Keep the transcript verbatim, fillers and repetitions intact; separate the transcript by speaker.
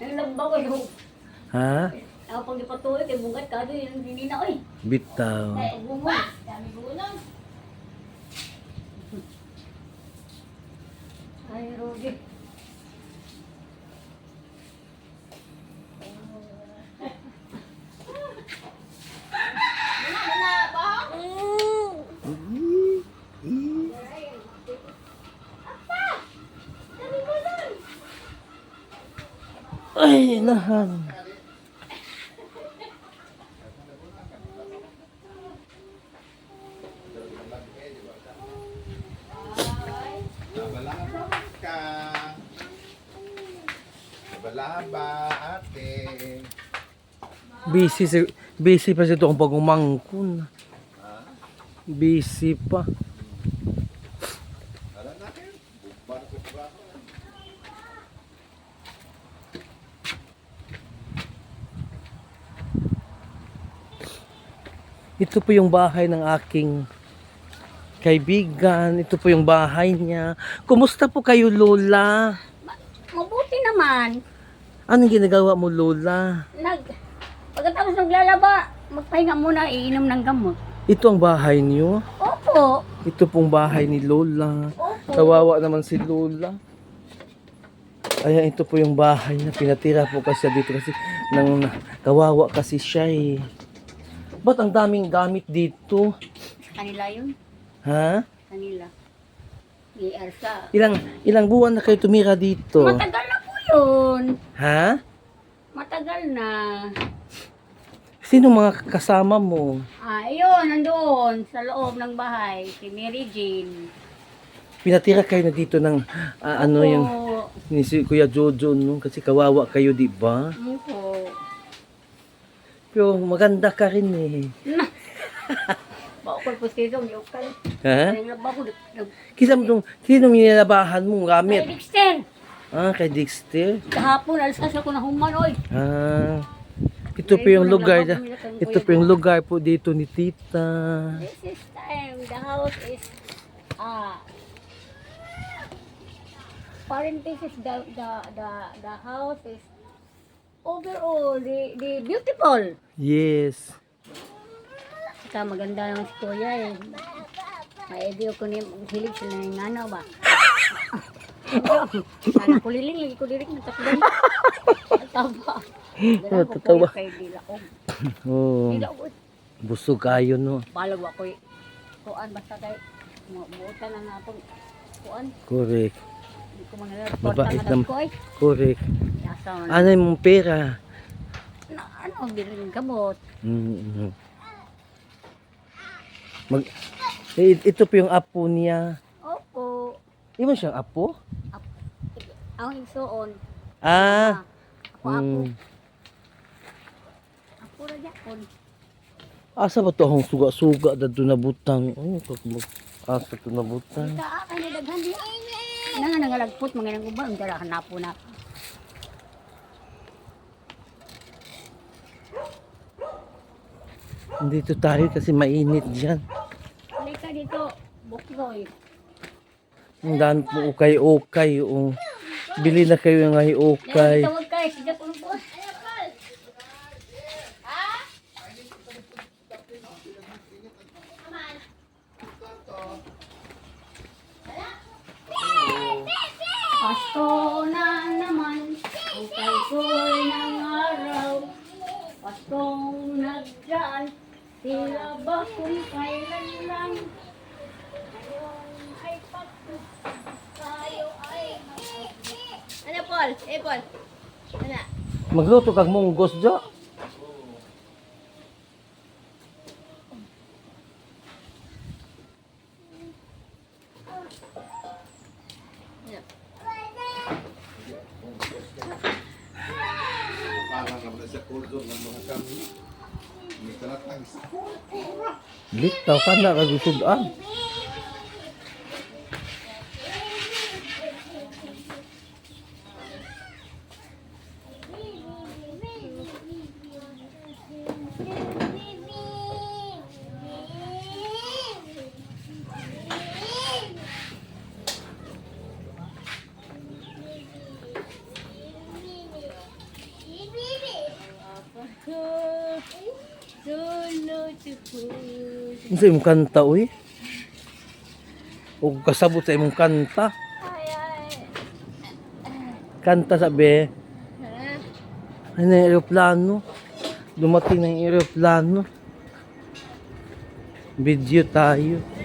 Speaker 1: Ang lamba ko yung...
Speaker 2: Ha?
Speaker 1: Ako pag ipatuloy, kay bungat ka doon, yung hindi na, oy.
Speaker 2: Bitaw.
Speaker 1: Ay, bumot. Dami bunang. Ay, Rudy.
Speaker 2: Ay, nahan.
Speaker 3: Nabalaba ka. Nabalaba, ate.
Speaker 2: Busy, si, busy pa siya itong pagumangkon. Busy pa.
Speaker 3: Alam natin. Bumbar ko ba ako?
Speaker 2: Ito po yung bahay ng aking kaibigan. Ito po yung bahay niya. Kumusta po kayo, Lola?
Speaker 1: Mabuti naman.
Speaker 2: Anong ginagawa mo, Lola?
Speaker 1: Nag... Pagkatapos naglalaba, magpahinga muna, iinom ng gamot.
Speaker 2: Ito ang bahay niyo?
Speaker 1: Opo.
Speaker 2: Ito pong bahay ni Lola.
Speaker 1: Opo.
Speaker 2: Kawawa naman si Lola. Ayan, ito po yung bahay na pinatira po kasi dito kasi nang kawawa kasi siya eh. Ba't ang daming gamit dito?
Speaker 1: Sa kanila yun.
Speaker 2: Ha?
Speaker 1: Kanila. Ni Elsa.
Speaker 2: Ilang ilang buwan na kayo tumira dito?
Speaker 1: Matagal na po yun.
Speaker 2: Ha?
Speaker 1: Matagal na.
Speaker 2: Sino mga kasama mo?
Speaker 1: Ah, ayun, nandoon sa loob ng bahay, si Mary Jane.
Speaker 2: Pinatira kayo na dito ng ah, ano
Speaker 1: Opo.
Speaker 2: yung ni si Kuya Jojo no kasi kawawa kayo, di ba?
Speaker 1: Opo.
Speaker 2: Pero maganda ka rin eh.
Speaker 1: Bakol po siya yung yukal.
Speaker 2: Ha?
Speaker 1: Ay, nabako, nag...
Speaker 2: Kisa mo tong sino minalabahan mo
Speaker 1: Ay,
Speaker 2: gamit?
Speaker 1: Dexter!
Speaker 2: Ah, kay Dexter.
Speaker 1: Kahapon, alasas ako na human, oy.
Speaker 2: Ah. Ito po yung lugar na, ito po yung lugar po dito ni Tita.
Speaker 1: This is time, the house is, ah, parenthesis, the, the, the, the house is overall, the, the beautiful.
Speaker 2: Yes.
Speaker 1: Saka maganda naman si Kuya eh. May idea ko niya, hilig sila ng nanaw ba? Sana ko liling, lagi ko liling, natakdan. Taba.
Speaker 2: Oh, tatawa.
Speaker 1: Kay Dilaog.
Speaker 2: Oh,
Speaker 1: Dilaog.
Speaker 2: busog kayo no.
Speaker 1: Balag ako eh. Kuan, basta kay, buutan na natin. Kuan,
Speaker 2: Correct.
Speaker 1: hindi ko mga reporta
Speaker 2: Mabait
Speaker 1: nga
Speaker 2: nam-
Speaker 1: ko eh.
Speaker 2: Correct.
Speaker 1: Nasa,
Speaker 2: Ano yung pera?
Speaker 1: na, ano, bilhin gamot.
Speaker 2: Mm. Mag eh, ito po yung apo niya.
Speaker 1: Opo.
Speaker 2: Di ba siyang apo?
Speaker 1: Ang igsoon.
Speaker 2: Ah.
Speaker 1: Ako, ako.
Speaker 2: Mm.
Speaker 1: Ako na yapon.
Speaker 2: Asa ba to ang suga-suga dadto na butang? Oh, kakmag asa to na butang.
Speaker 1: Ika, akin na daghan di. Na nga nangalagpot, mga nang uba, ang dala hanapo na.
Speaker 2: Dito tayo kasi mainit diyan.
Speaker 1: Halika dito, Bukroy.
Speaker 2: Ang dami po ukay-ukay. Oh. Bili na kayo ng ay ukay.
Speaker 1: Tawag kayo, sigat ulo po. Pasko na naman, ang kalkoy ng araw. Paskong nagdaan, tila ba kung kailan lang. Ngayon ay Pasko, tayo ay ano, Paul? Eh, Paul? Ano?
Speaker 2: Magluto kag munggos jo.
Speaker 3: Parang naman sa kuldo ng mga kami. May talatang sa kultura.
Speaker 2: Litaw ka na kagusudan.
Speaker 1: beautiful.
Speaker 2: Ano sa imong kanta, uy? O kasabot sa imong kanta.
Speaker 1: Ay, ay.
Speaker 2: Kanta sabi.
Speaker 1: Ha?
Speaker 2: Ano yung aeroplano? Dumating na yung aeroplano. Video tayo.